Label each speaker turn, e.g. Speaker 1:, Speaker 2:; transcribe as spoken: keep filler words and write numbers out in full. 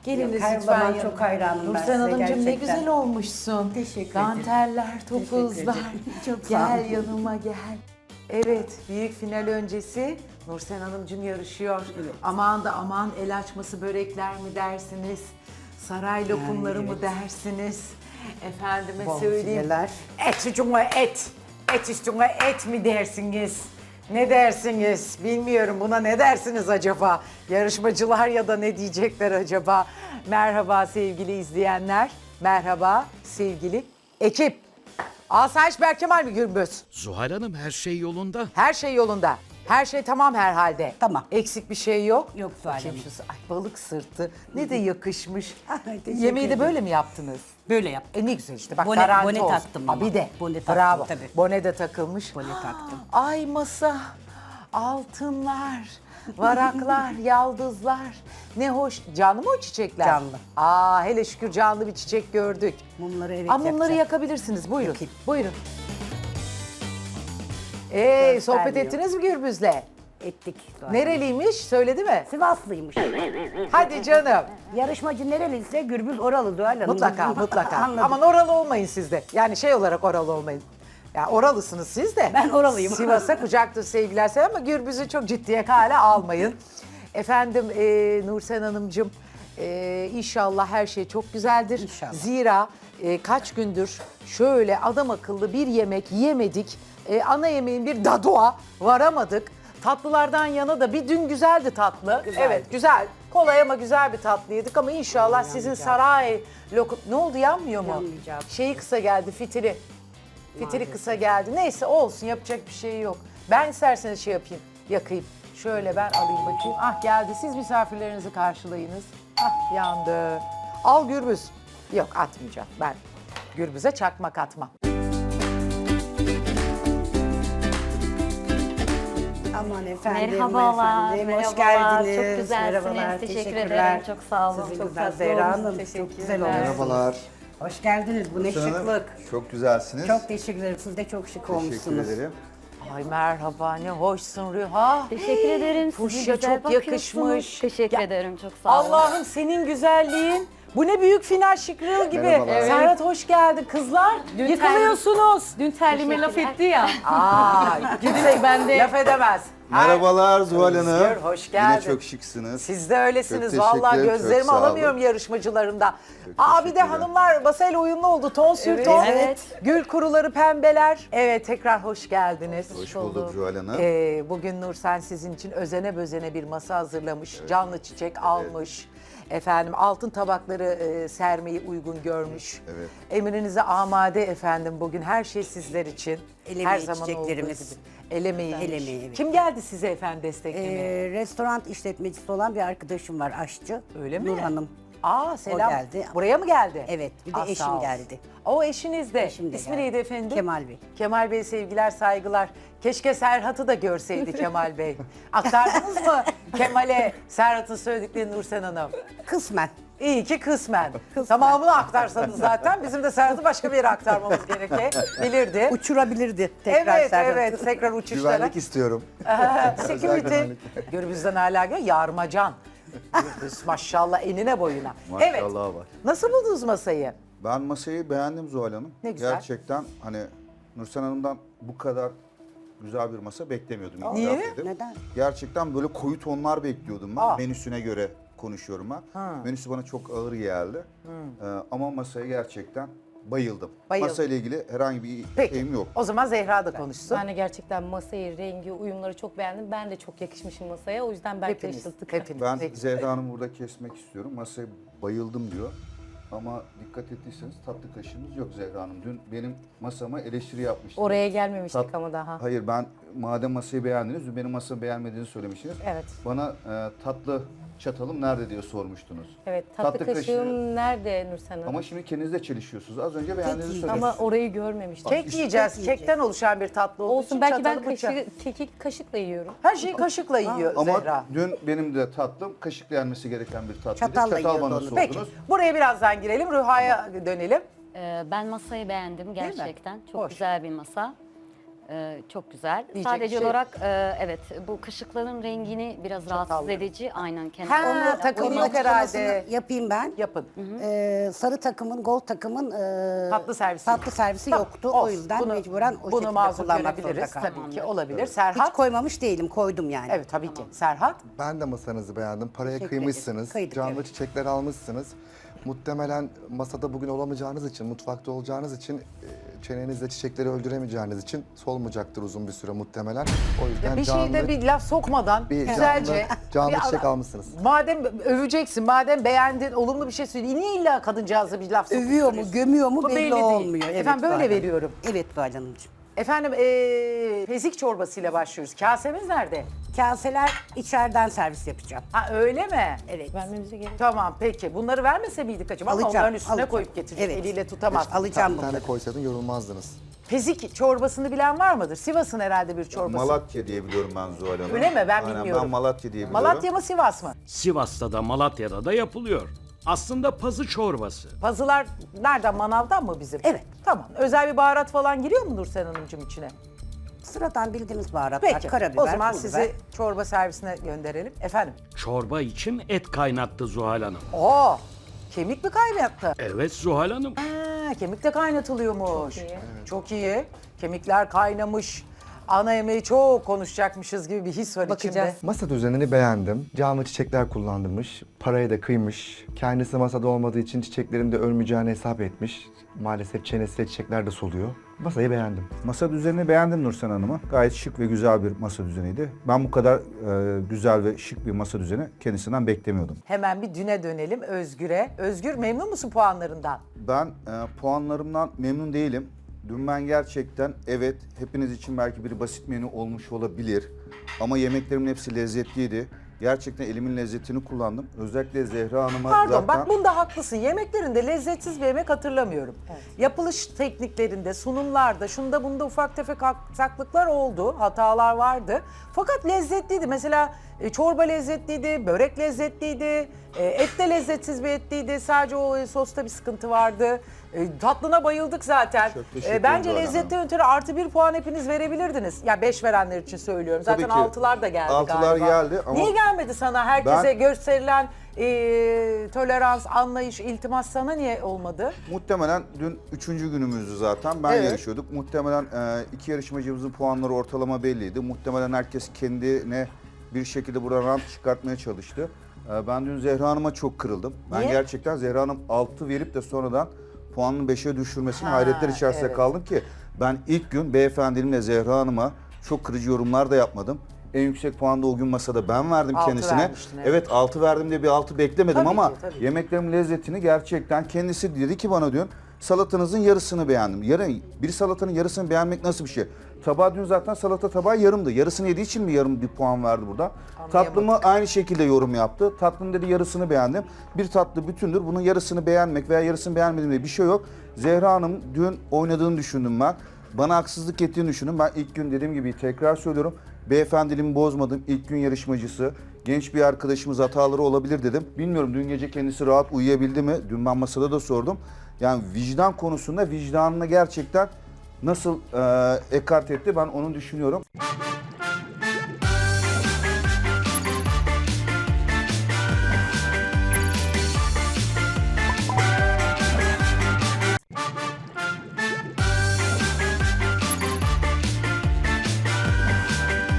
Speaker 1: Geliniz
Speaker 2: Her
Speaker 1: lütfen.
Speaker 2: zaman
Speaker 1: yanıma.
Speaker 2: çok hayranım ben
Speaker 1: Nursen
Speaker 2: size
Speaker 1: Hanımcığım ne
Speaker 2: gerçekten.
Speaker 1: güzel olmuşsun.
Speaker 2: Teşekkür ederim.
Speaker 1: Danteller, topuzlar.
Speaker 2: ederim. Çok sağ
Speaker 1: Gel
Speaker 2: olun.
Speaker 1: yanıma gel. Evet, büyük final öncesi Nursen Hanımcığım yarışıyor. Aman da aman el açması börekler mi dersiniz? Saray lokumları mı dersiniz? Efendime
Speaker 2: Bol
Speaker 1: söyleyeyim.
Speaker 2: fileler.
Speaker 1: Et üstüne et. Et üstüne et mi dersiniz? Ne dersiniz? Bilmiyorum. Buna ne dersiniz acaba? Yarışmacılar ya da ne diyecekler acaba? Merhaba sevgili izleyenler. Merhaba sevgili ekip. Asayiş Berkemal mi Gürbüz?
Speaker 3: Zuhal Hanım her şey yolunda.
Speaker 1: Her şey yolunda. Her şey tamam herhalde.
Speaker 2: Tamam.
Speaker 1: Eksik bir şey yok.
Speaker 2: Yok Zuhal
Speaker 1: Bakayım
Speaker 2: Hanım.
Speaker 1: şu- Ay balık sırtı. Ne de yakışmış.
Speaker 2: Teşekkür
Speaker 1: Yemeği de
Speaker 2: ederim.
Speaker 1: böyle mi yaptınız?
Speaker 2: Böyle yaptım.
Speaker 1: E ne güzel işte bak
Speaker 2: Bone-
Speaker 1: garanti
Speaker 2: bone
Speaker 1: olsun.
Speaker 2: taktım
Speaker 1: Ha,
Speaker 2: ama.
Speaker 1: bir de.
Speaker 2: Bone taktım,
Speaker 1: Bravo.
Speaker 2: tabii.
Speaker 1: Bone de takılmış.
Speaker 2: Bone taktım.
Speaker 1: Ay masa, altınlar, varaklar, yaldızlar. Ne hoş. Canlı mı o çiçekler?
Speaker 2: Canlı.
Speaker 1: Aa hele şükür canlı bir çiçek gördük.
Speaker 2: Mumları evet
Speaker 1: Aa, mumları
Speaker 2: yapacağım.
Speaker 1: yakabilirsiniz. Buyurun.
Speaker 2: Yakayım.
Speaker 1: Buyurun. Ee, sohbet
Speaker 2: Göstermiyor.
Speaker 1: ettiniz mi Gürbüz'le?
Speaker 2: Ettik. Zuhal Hanım.
Speaker 1: Nereliymiş? Söyledi mi?
Speaker 2: Sivaslıymış.
Speaker 1: Hadi canım.
Speaker 2: Yarışmacı nereliyse Gürbüz oralı Zuhal Hanım.
Speaker 1: Mutlaka, mutlaka.
Speaker 2: Anladım.
Speaker 1: Aman oralı olmayın siz de. Yani şey olarak oralı olmayın. Ya oralısınız siz de.
Speaker 2: Ben oralıyım.
Speaker 1: Sivas'a kucaktır sevgiler selam ama Gürbüz'ü çok ciddiye hale almayın. Efendim e, Nursen Hanımcığım e, inşallah her şey çok güzeldir.
Speaker 2: İnşallah.
Speaker 1: Zira e, kaç gündür şöyle adam akıllı bir yemek yemedik. E, ana yemeğin bir dadua varamadık. Tatlılardan yana da bir dün güzeldi tatlı.
Speaker 2: Güzeldi.
Speaker 1: Evet güzel. Kolay ama güzel bir tatlı yedik ama inşallah sizin saray lokum... Ne oldu yanmıyor mu?
Speaker 2: Yanmayacak.
Speaker 1: Şeyi kısa geldi fitili. Fitili kısa geldi. Neyse olsun yapacak bir şey yok. Ben isterseniz şey yapayım, yakayım. Şöyle ben alayım bakayım. Ah geldi. Siz misafirlerinizi karşılayınız. Ah yandı. Al Gürbüz. Yok atmayacağım. Ben Gürbüz'e çakmak atmam.
Speaker 2: Aman efendim.
Speaker 4: Merhabalar,
Speaker 2: efendim. Hoş
Speaker 4: merhabalar.
Speaker 2: geldiniz.
Speaker 4: Çok güzelsiniz.
Speaker 2: Merhabalar,
Speaker 4: Teşekkür
Speaker 2: teşekkürler.
Speaker 4: ederim. Çok sağ olun.
Speaker 2: Sizin
Speaker 4: Çok
Speaker 2: güzel
Speaker 4: tatlı
Speaker 2: Zehra
Speaker 4: oldunuz.
Speaker 2: Hanım. Çok
Speaker 4: Teşekkürler.
Speaker 2: güzel olmuş.
Speaker 5: Merhabalar.
Speaker 2: Hoş geldiniz. Bu ne
Speaker 5: Hanım,
Speaker 2: şıklık.
Speaker 5: Çok güzelsiniz.
Speaker 2: Çok teşekkür ederim. Siz de çok şık
Speaker 5: teşekkür
Speaker 2: olmuşsunuz.
Speaker 5: ederim.
Speaker 1: Ay merhaba ne hoşsun Rüha.
Speaker 4: Teşekkür ederim. Siz
Speaker 1: Fuşya
Speaker 4: de güzel
Speaker 1: çok
Speaker 4: bakıyorsunuz.
Speaker 1: yakışmış.
Speaker 4: Teşekkür
Speaker 1: Ya,
Speaker 4: ederim. Çok sağ olun.
Speaker 1: Allah'ım senin güzelliğin. Bu ne büyük final şıkrıl gibi.
Speaker 5: Merhabalar. Evet.
Speaker 1: Serhat hoş geldin kızlar.
Speaker 4: Dün
Speaker 1: Yıkılıyorsunuz.
Speaker 4: Dün terlime laf etti ya.
Speaker 1: Aa, kimse
Speaker 4: ben de-
Speaker 1: laf edemez.
Speaker 5: Merhabalar Zuhal
Speaker 1: Özgür,
Speaker 5: Hanım.
Speaker 1: hoş
Speaker 5: Yine
Speaker 1: geldin.
Speaker 5: çok şıksınız.
Speaker 1: Siz de öylesiniz.
Speaker 5: Çok
Speaker 1: Vallahi
Speaker 5: teşekkür ederim,
Speaker 1: gözlerimi
Speaker 5: çok sağ olun.
Speaker 1: alamıyorum yarışmacılarımda.
Speaker 5: Çok
Speaker 1: Aa bir de
Speaker 5: teşekkürler.
Speaker 1: hanımlar masayla uyumlu oldu. Ton sür ton.
Speaker 4: Evet.
Speaker 1: Gül kuruları pembeler. Evet tekrar hoş geldiniz.
Speaker 5: Hoş bulduk Zuhal Hanım.
Speaker 1: Ee, bugün Nursen sizin için özene bözene bir masa hazırlamış. Canlı çiçek almış. Efendim altın tabakları e, sermeyi uygun görmüş.
Speaker 5: Evet.
Speaker 1: Emrinize amade efendim bugün her şey sizler için.
Speaker 2: El
Speaker 1: her
Speaker 2: emeği
Speaker 1: zaman olduğu
Speaker 2: çiçeklerimiz.
Speaker 1: gibi. El emeği.
Speaker 2: El emeği, evet.
Speaker 1: Kim geldi size efendim desteklemeye?
Speaker 2: Ee, restoran işletmecisi olan bir arkadaşım var, aşçı.
Speaker 1: Öyle mi?
Speaker 2: Nur Hanım.
Speaker 1: Aa selam.
Speaker 2: O geldi.
Speaker 1: Buraya mı geldi?
Speaker 2: Evet, bir de
Speaker 1: Ah,
Speaker 2: eşim
Speaker 1: sağ olsun.
Speaker 2: geldi.
Speaker 1: O eşiniz de.
Speaker 2: Eşim de
Speaker 1: İsmi
Speaker 2: geldi.
Speaker 1: neydi efendim?
Speaker 2: Kemal Bey.
Speaker 1: Kemal Bey sevgiler saygılar. Keşke Serhat'ı da görseydi Kemal Bey. Aktardınız mı Kemal'e Serhat'ın söylediklerini Nursen Hanım?
Speaker 2: Kısmen.
Speaker 1: İyi ki kısmen. Tamamını aktarsanız zaten bizim de Serhat'ı başka bir yere aktarmamız gerekebilirdi.
Speaker 2: Uçurabilirdi tekrar
Speaker 1: Evet
Speaker 2: Serhat'ı.
Speaker 1: evet tekrar uçuşlara.
Speaker 5: Güvenlik istiyorum.
Speaker 1: Security. Gürbüz'den hala gör. Yarmacan. Gürbüz maşallah enine boyuna. Evet.
Speaker 5: Maşallah var.
Speaker 1: Nasıl buldunuz masayı?
Speaker 5: Ben masayı beğendim Zuhal Hanım.
Speaker 1: Ne güzel.
Speaker 5: Gerçekten hani Nursen Hanım'dan bu kadar güzel bir masa beklemiyordum. itiraf
Speaker 1: Niye?
Speaker 5: edeyim.
Speaker 2: Neden?
Speaker 5: Gerçekten böyle koyu tonlar bekliyordum ben.
Speaker 1: Aa.
Speaker 5: Menüsüne göre konuşuyorum ben. Menüsü bana çok ağır geldi. Ee, ama masaya gerçekten bayıldım.
Speaker 1: Bayıldım.
Speaker 5: Masayla ilgili herhangi bir
Speaker 1: Peki.
Speaker 5: şeyim yok.
Speaker 1: O zaman Zehra da konuşsun.
Speaker 4: Ben de gerçekten masayı, rengi, uyumları çok beğendim. Ben de çok yakışmışım masaya. O yüzden belki
Speaker 1: Hepiniz.
Speaker 4: şaşırttık.
Speaker 1: Hepiniz.
Speaker 5: Ben
Speaker 1: Peki.
Speaker 5: Zehra Hanım'ı burada kesmek istiyorum. Masaya bayıldım diyor. Ama dikkat ettiyseniz tatlı kaşığımız yok Zehra Hanım. Dün benim masama eleştiri yapmıştınız.
Speaker 4: Oraya gelmemiştik
Speaker 5: Tat-
Speaker 4: ama daha.
Speaker 5: Hayır ben madem masayı beğendiniz, dün benim masamı beğenmediğinizi söylemiştiniz.
Speaker 4: Evet.
Speaker 5: Bana e, tatlı çatalım nerede diye sormuştunuz.
Speaker 4: Evet, tatlı,
Speaker 5: Tatlı
Speaker 4: kaşığım
Speaker 5: kaşığı-
Speaker 4: nerede Nursen Hanım?
Speaker 5: Ama şimdi kendinizle çelişiyorsunuz. Az önce beğendiğinizi söylediniz.
Speaker 4: Ama orayı görmemiştik.
Speaker 1: Kek yiyeceğiz. Kekten oluşan bir tatlı olduğu için
Speaker 4: Olsun belki ben
Speaker 1: çatalı bıçağı-
Speaker 4: kaşı, keki kaşıkla yiyorum.
Speaker 1: Her şeyi kaşıkla yiyor
Speaker 5: Ama
Speaker 1: Zehra.
Speaker 5: dün benim de tatlım kaşıkla yenmesi gereken bir tatlıydı.
Speaker 2: Çatalla
Speaker 5: Çatal
Speaker 2: yiyordu
Speaker 5: bana
Speaker 2: onu.
Speaker 5: sordunuz.
Speaker 1: Peki buraya birazdan girelim. Rüha'ya dönelim.
Speaker 6: Ee, Ben masayı beğendim
Speaker 1: mi?
Speaker 6: gerçekten. Çok
Speaker 1: Hoş.
Speaker 6: güzel bir masa. Ee, çok güzel.
Speaker 1: Diyecek
Speaker 6: Sadece
Speaker 1: şey-
Speaker 6: olarak e, evet bu kaşıkların rengini biraz rahatsız
Speaker 1: Çatallı.
Speaker 6: edici. Aynen kendi.
Speaker 1: Ha,
Speaker 6: Onu-
Speaker 1: takımlık
Speaker 6: onu-
Speaker 1: herhalde.
Speaker 2: Yapayım ben.
Speaker 1: Yapın.
Speaker 2: Ee, sarı takımın, gold takımın e,
Speaker 1: Tatlı servisi.
Speaker 2: tatlı servisi
Speaker 1: Tamam,
Speaker 2: yoktu.
Speaker 1: olsun.
Speaker 2: O yüzden
Speaker 1: Bunu-
Speaker 2: mecburen o
Speaker 1: bunu
Speaker 2: şekilde
Speaker 1: mazur
Speaker 2: kullanmak zorunda
Speaker 1: görebiliriz.
Speaker 2: kaldım.
Speaker 1: Tabii ki olabilir.
Speaker 2: Hiç
Speaker 1: Serhat?
Speaker 2: koymamış değilim, koydum yani.
Speaker 1: Evet tabii ki. Serhat?
Speaker 7: Ben de masanızı beğendim. Paraya
Speaker 2: Teşekkür
Speaker 7: kıymışsınız.
Speaker 2: ederim. Kıydık,
Speaker 7: Canlı
Speaker 2: evet.
Speaker 7: çiçekler almışsınız. Muhtemelen masada bugün olamayacağınız için, mutfakta olacağınız için, e, çenenizle çiçekleri öldüremeyeceğiniz için solmayacaktır uzun bir süre muhtemelen. O yüzden
Speaker 1: Bir
Speaker 7: canlı,
Speaker 1: şeyde bir laf sokmadan
Speaker 7: bir
Speaker 1: güzelce
Speaker 7: canlı, canlı
Speaker 1: bir
Speaker 7: çiçek
Speaker 1: ara-
Speaker 7: almışsınız.
Speaker 1: Madem öveceksin, madem beğendin, olumlu bir şey söyle. Niye illa kadıncağıza bir laf sokup
Speaker 2: Övüyor mu,
Speaker 1: duruyorsun?
Speaker 2: gömüyor mu
Speaker 1: Bu
Speaker 2: belli,
Speaker 1: belli değil.
Speaker 2: olmuyor. Evet,
Speaker 1: Efendim böyle
Speaker 2: Zuhal Hanım.
Speaker 1: veriyorum.
Speaker 2: Evet Zuhal Hanımcığım.
Speaker 1: Efendim ee, pezik çorbasıyla başlıyoruz. Kasemiz nerede?
Speaker 2: Kaseler içeriden servis yapacağım.
Speaker 1: Ha öyle mi?
Speaker 2: Evet.
Speaker 4: Vermemize gerek.
Speaker 1: Tamam peki. Bunları vermese miydik acaba? Ama
Speaker 2: Alacağım,
Speaker 1: onların üstüne
Speaker 2: alacağım.
Speaker 1: koyup getirecek.
Speaker 2: Evet.
Speaker 1: Eliyle tutamaz.
Speaker 2: Alacağım
Speaker 7: Bir tane
Speaker 2: bunları.
Speaker 7: koysaydın yorulmazdınız.
Speaker 1: Pezik çorbasını bilen var mıdır? Sivas'ın herhalde bir çorbası.
Speaker 5: Malatya diye biliyorum ben Zuhal Hanım.
Speaker 1: Öyle mi? Ben
Speaker 5: Aynen,
Speaker 1: bilmiyorum.
Speaker 5: Ben Malatya diye biliyorum.
Speaker 1: Malatya mı Sivas mı?
Speaker 3: Sivas'ta da Malatya'da da yapılıyor. Aslında pazı çorbası.
Speaker 1: Pazılar nereden? Manavdan mı bizim?
Speaker 2: Evet.
Speaker 1: Tamam. Özel bir baharat falan giriyor mu Nursel Hanımcığım içine?
Speaker 2: Sıradan bildiğimiz baharatlar,
Speaker 1: Peki.
Speaker 2: karabiber,
Speaker 1: O zaman
Speaker 2: pul
Speaker 1: sizi
Speaker 2: biber.
Speaker 1: çorba servisine gönderelim. Efendim?
Speaker 3: Çorba için et kaynattı Zuhal Hanım.
Speaker 1: Oo! Kemik mi kaynattı?
Speaker 3: Evet Zuhal Hanım.
Speaker 1: Ha, kemik de kaynatılıyormuş.
Speaker 4: Çok iyi.
Speaker 1: Çok iyi. Kemikler kaynamış. Ana yemeği çok konuşacakmışız gibi bir his var
Speaker 4: Bakacağız.
Speaker 1: içimde.
Speaker 7: Masa düzenini beğendim. Canlı çiçekler kullandırmış. Parayı da kıymış. Kendisi masada olmadığı için çiçeklerin de ölmeyeceğini hesap etmiş. Maalesef çenesiyle çiçekler de soluyor. Masayı beğendim.
Speaker 8: Masa düzenini beğendim Nursen Hanım'a. Gayet şık ve güzel bir masa düzeniydi. Ben bu kadar e, güzel ve şık bir masa düzeni kendisinden beklemiyordum.
Speaker 1: Hemen bir düne dönelim Özgür'e. Özgür memnun musun puanlarından?
Speaker 5: Ben e, puanlarımdan memnun değilim. Dün ben gerçekten evet hepiniz için belki bir basit menü olmuş olabilir. Ama yemeklerimin hepsi lezzetliydi. Gerçekten elimin lezzetini kullandım. Özellikle Zehra Hanım'a
Speaker 1: Pardon
Speaker 5: zaten...
Speaker 1: bak bunda haklısın. Yemeklerinde lezzetsiz bir yemek hatırlamıyorum. Yapılış tekniklerinde, sunumlarda, şunda bunda ufak tefek aksaklıklar oldu. Hatalar vardı. Fakat lezzetliydi. Mesela e, çorba lezzetliydi, börek lezzetliydi, e, et de lezzetsiz bir etliydi. Sadece o e, sosta bir sıkıntı vardı. E, tatlına bayıldık zaten.
Speaker 5: Çok teşekkür
Speaker 1: E, bence
Speaker 5: ederim.
Speaker 1: lezzetten ötürü artı bir puan hepiniz verebilirdiniz. Ya beş verenler için söylüyorum.
Speaker 5: Tabii
Speaker 1: Zaten
Speaker 5: ki.
Speaker 1: altılar da geldi
Speaker 5: Altılar
Speaker 1: galiba.
Speaker 5: geldi ama-
Speaker 1: Niye gelmedi sana? Herkese
Speaker 5: Ben-
Speaker 1: gösterilen e, tolerans, anlayış, iltimas sana niye olmadı?
Speaker 5: Muhtemelen dün üçüncü günümüzdü zaten. Ben
Speaker 1: Evet.
Speaker 5: yarışıyorduk. Muhtemelen e, iki yarışmacımızın puanları ortalama belliydi. Muhtemelen herkes kendine bir şekilde buradan rant çıkartmaya çalıştı. E, ben dün Zehra Hanım'a çok kırıldım. Ben
Speaker 1: Niye?
Speaker 5: gerçekten Zehra Hanım altı verip de sonradan puanını beşe düşürmesine
Speaker 1: Ha,
Speaker 5: hayretler içerisinde
Speaker 1: evet.
Speaker 5: kaldım ki ben ilk gün beyefendimle Zehra Hanım'a çok kırıcı yorumlar da yapmadım. En yüksek puanı da o gün masada ben verdim
Speaker 1: Altı
Speaker 5: kendisine.
Speaker 1: vermiştin, evet.
Speaker 5: Evet altı verdim diye bir altı beklemedim
Speaker 1: Tabii
Speaker 5: ama
Speaker 1: ki, tabii ki.
Speaker 5: yemeklerimin lezzetini gerçekten kendisi dedi ki bana diyor salatanızın yarısını beğendim. Yarı, bir salatanın yarısını beğenmek nasıl bir şey? Tabağı dün zaten salata tabağı yarımdı. Yarısını yediği için mi yarım bir puan verdi burada? Tatlımı aynı şekilde yorum yaptı. Tatlım dedi yarısını beğendim. Bir tatlı bütündür. Bunun yarısını beğenmek veya yarısını beğenmedim diye bir şey yok. Zehra Hanım dün oynadığını düşündüm ben. Bana haksızlık ettiğini düşündüm. Ben ilk gün dediğim gibi tekrar söylüyorum. Beyefendiliğimi bozmadım. İlk gün yarışmacısı. Genç bir arkadaşımız hataları olabilir dedim. Bilmiyorum dün gece kendisi rahat uyuyabildi mi? Dün ben masada da sordum. Yani vicdan konusunda vicdanını gerçekten nasıl e, ekart etti ben onu düşünüyorum.